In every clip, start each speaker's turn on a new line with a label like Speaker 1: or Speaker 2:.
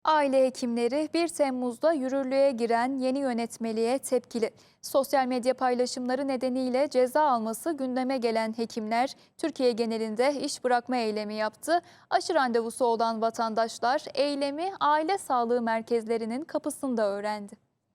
Speaker 1: Aile hekimleri 1 Temmuz'da yürürlüğe giren yeni yönetmeliğe tepkili. Sosyal medya paylaşımları nedeniyle ceza alması gündeme gelen hekimler Türkiye genelinde iş bırakma eylemi yaptı. Aşı randevusu olan vatandaşlar eylemi aile sağlığı merkezlerinin kapısında öğrendi.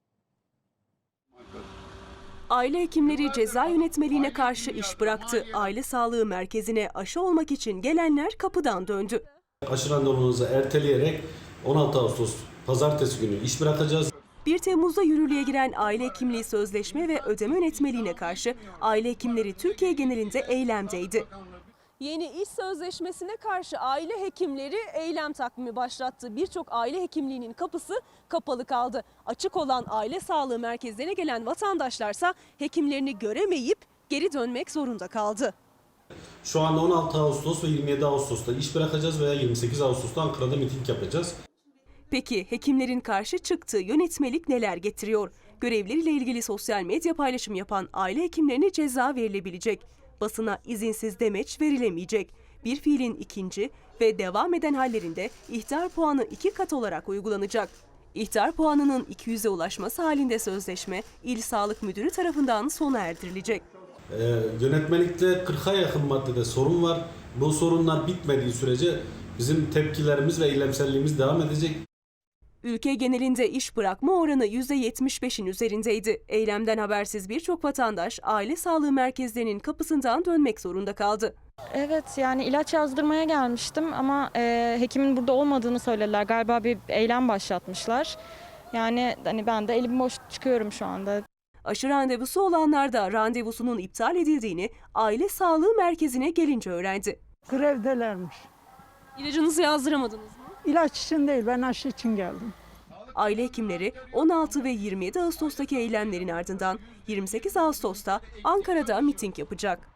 Speaker 2: Aile hekimleri ceza yönetmeliğine karşı iş bıraktı. Aile sağlığı merkezine aşı olmak için gelenler kapıdan döndü.
Speaker 3: Aşı randevunuzu erteleyerek 16 Ağustos pazartesi günü iş bırakacağız.
Speaker 2: 1 Temmuz'da yürürlüğe giren aile hekimliği sözleşme ve ödeme yönetmeliğine karşı aile hekimleri Türkiye genelinde eylemdeydi. Yeni iş sözleşmesine karşı aile hekimleri eylem takvimi başlattı. Birçok aile hekimliğinin kapısı kapalı kaldı. Açık olan aile sağlığı merkezlerine gelen vatandaşlarsa hekimlerini göremeyip geri dönmek zorunda kaldı.
Speaker 3: Şu anda 16 Ağustos ve 27 Ağustos'ta iş bırakacağız veya 28 Ağustos'ta Ankara'da miting yapacağız.
Speaker 2: Peki hekimlerin karşı çıktığı yönetmelik neler getiriyor? Görevleriyle ilgili sosyal medya paylaşım yapan aile hekimlerine ceza verilebilecek. Basına izinsiz demeç verilemeyecek. Bir fiilin ikinci ve devam eden hallerinde ihtar puanı 2 kat olarak uygulanacak. İhtar puanının 200'e ulaşması halinde sözleşme İl Sağlık Müdürü tarafından sona erdirilecek.
Speaker 3: Yönetmelikte 40'a yakın maddede sorun var. Bu sorunlar bitmediği sürece bizim tepkilerimiz ve eylemselliğimiz devam edecek.
Speaker 2: Ülke genelinde iş bırakma oranı %75'in üzerindeydi. Eylemden habersiz birçok vatandaş aile sağlığı merkezlerinin kapısından dönmek zorunda kaldı.
Speaker 4: Evet, yani ilaç yazdırmaya gelmiştim ama hekimin burada olmadığını söylediler. Galiba bir eylem başlatmışlar. Yani hani ben de elim boş çıkıyorum şu anda.
Speaker 2: Aşı randevusu olanlar da randevusunun iptal edildiğini aile sağlığı merkezine gelince öğrendi.
Speaker 5: Grevdelermiş.
Speaker 2: İlacınızı yazdıramadınız mı?
Speaker 5: İlaç için değil, ben aşı için geldim.
Speaker 2: Aile hekimleri 16 ve 27 Ağustos'taki eylemlerin ardından 28 Ağustos'ta Ankara'da miting yapacak.